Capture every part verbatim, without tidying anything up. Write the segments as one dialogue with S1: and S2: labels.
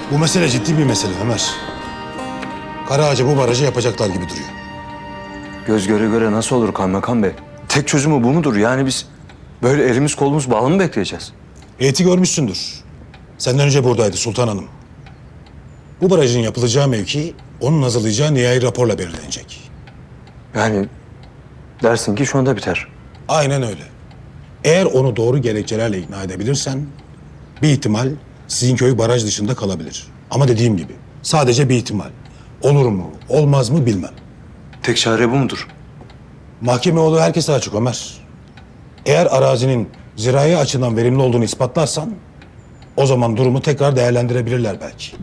S1: Bu mesele ciddi bir mesele Ömer. Karaağaç'a bu barajı yapacaklar gibi duruyor.
S2: Göz göre göre nasıl olur kaymakam bey? Tek çözümü bu mudur? Yani biz böyle elimiz kolumuz bağlı mı bekleyeceğiz?
S1: Heyeti görmüşsündür. Senden önce buradaydı Sultan Hanım. Bu barajın yapılacağı mevki onun hazırlayacağı nihai raporla belirlenecek.
S2: Yani dersin ki şu anda biter.
S1: Aynen öyle. Eğer onu doğru gerekçelerle ikna edebilirsen bir ihtimal sizin köy baraj dışında kalabilir. Ama dediğim gibi sadece bir ihtimal. Olur mu, olmaz mı bilmem.
S2: Tek çare bu mudur?
S1: Mahkeme yolu herkese açık Ömer. Eğer arazinin zirai açıdan verimli olduğunu ispatlarsan o zaman durumu tekrar değerlendirebilirler belki.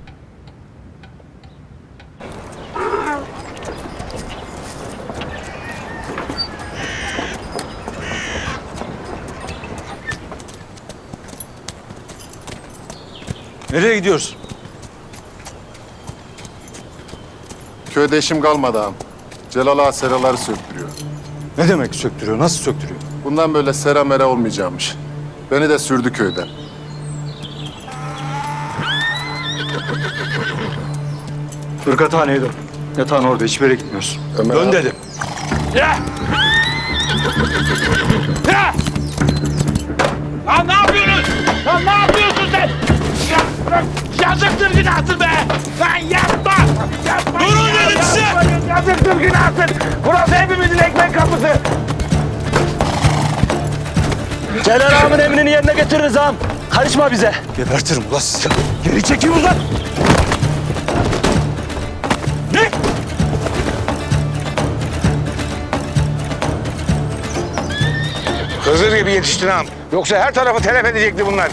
S2: Nereye gidiyoruz?
S3: Köyde işim kalmadı ağam. Celal ağa seraları söktürüyor.
S2: Ne demek söktürüyor? Nasıl söktürüyor?
S3: Bundan böyle sera mera olmayacakmış. Beni de sürdü köyden.
S2: Irgathaneye dön. Yatağın orada. Hiçbir yere gitmiyorsun.
S3: Ömer
S2: dön
S3: abi.
S2: dedim.
S4: Ya! Ya! Lan ne yapıyorsunuz? Lan ne yapıyorsun sen? Ya, bırak. Yazıktır günahsın be! Lan yapma! Yapma! Durun dedim size! Yazıktır günahsın! Burası hepimizin ekmek kapısı!
S5: Celal ağamın emrini yerine getiririz ağam. Karışma bize.
S2: Gebertirim ulan sizi.
S4: Geri çekil ulan! Ne?
S6: Hızır gibi yetiştin ağam. Yoksa her tarafı telef edecekti bunlar.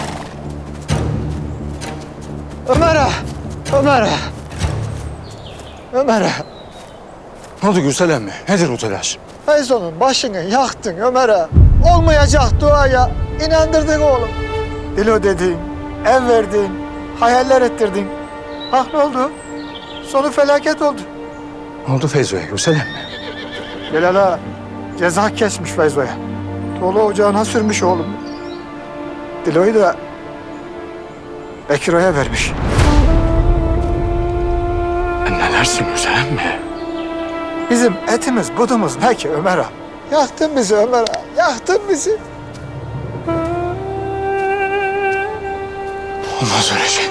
S5: Ömer ağa. Ömer ağa. Ömer ağa.
S2: Ne oldu Gürsel emmi? Nedir bu telaş?
S5: Feyzo'nun başını yaktın Ömer ağa. Olmayacak duaya inandırdın oğlum. Dilo dedin, ev verdin, hayaller ettirdin. Bak ne oldu? Sonu felaket oldu.
S2: Ne oldu Feyzo'ya Gürsel emmi?
S5: Celal ağa ceza kesmiş Feyzo'ya. Dolu ocağına sürmüş oğlum. Dilo'yu da Bekiro'ya vermiş.
S2: Ne dersin Gürsel emmi?
S5: Bizim etimiz budumuz ne ki Ömer ağa? Yaktın bizi Ömer ağa, yaktın bizi.
S2: Olmaz öyle şey.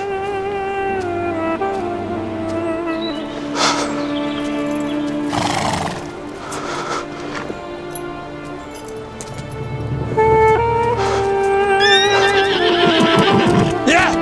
S4: Ya!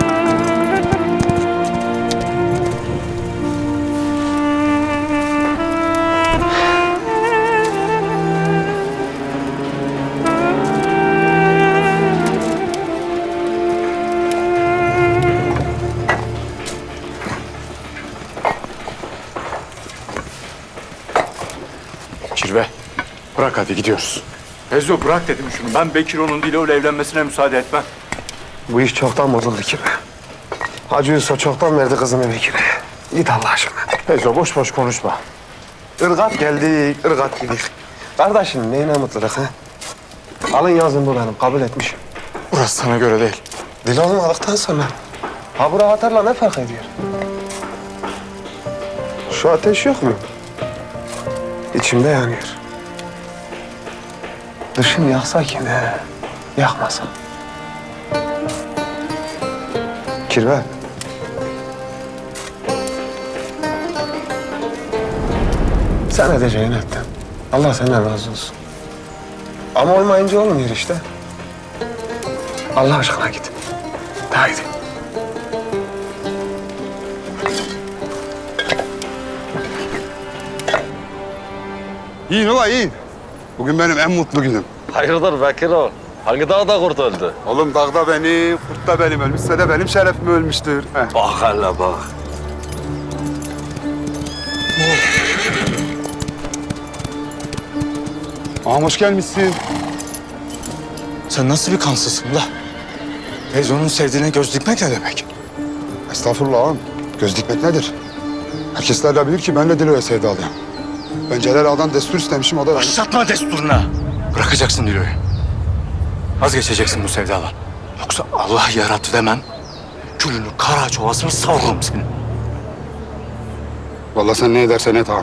S2: Kirve, bırak hadi gidiyoruz. Feyzo bırak dedim şunu. Ben Bekiro'nun Dilo'yla evlenmesine müsaade etmem.
S7: Bu iş çoktan bozuldu ki. Hacı Yusuf çoktan verdi kızını Bekir'e. Git Allah aşkına.
S2: Feyzo boş boş konuşma.
S7: Irgat geldik, ırgat gidik. Kardeşim neyine mutluluk ha? Alın yazın bu benim, kabul etmişim.
S2: Burası sana göre değil.
S7: Dil olmadıktan sonra ha bura atarla ne fark ediyor? Şu ateş yok mu? İçimde yanıyor. Dışım yaksa ki ne? Yakmasa. Kirve. Sen edeceğini ettin. Allah senden razı olsun. Ama olmayınca olmuyor işte. Allah aşkına git. Haydi.
S8: Yiyin ulan yiyin. Bugün benim en mutlu günüm.
S6: Hayırdır Bekir o? Hangi dağda kurt öldü?
S8: Oğlum dağda benim, kurt da benim ölmüşse de benim şerefim ölmüştür. Heh.
S6: Bak hele bak.
S8: Ağam hoş gelmişsin.
S2: Sen nasıl bir kansızsın la? Feyzo'nun sevdiğine göz dikmek ne demek?
S8: Estağfurullah ağam. Göz dikmek nedir? Herkesler de bilir ki ben de Dilo'ya sevdalıyım. Ben Celal Ağa'dan destur istemişim, o da...
S2: Başlatma desturuna. Bırakacaksın Dilo'yu. Vazgeçeceksin bu sevdadan. Yoksa Allah yarattı demem,
S6: Külünü, kara çovasını savururum senin.
S8: Vallahi sen ne edersen et ağam.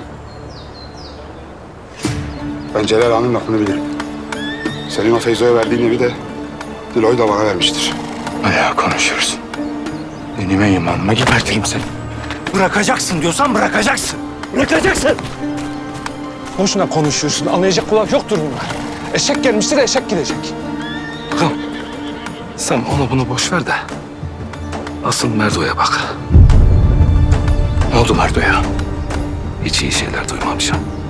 S8: Ben Celal Ağa'nın lafını bilirim. Senin o Feyzo'ya verdiğin evi de Dilo'yu da bana vermiştir.
S6: Bayağı konuşuyoruz. Benim imanıma geberteyim seni. Bırakacaksın diyorsan bırakacaksın. Bırakacaksın.
S7: Boşuna konuşuyorsun. Anlayacak kulak yoktur bunlar. Eşek gelmiştir, eşek gidecek.
S6: Bakalım. Sen onu bunu boş ver de asıl Merdo'ya bak. Ne oldu Merdo'ya? Hiç iyi şeyler duymamışım.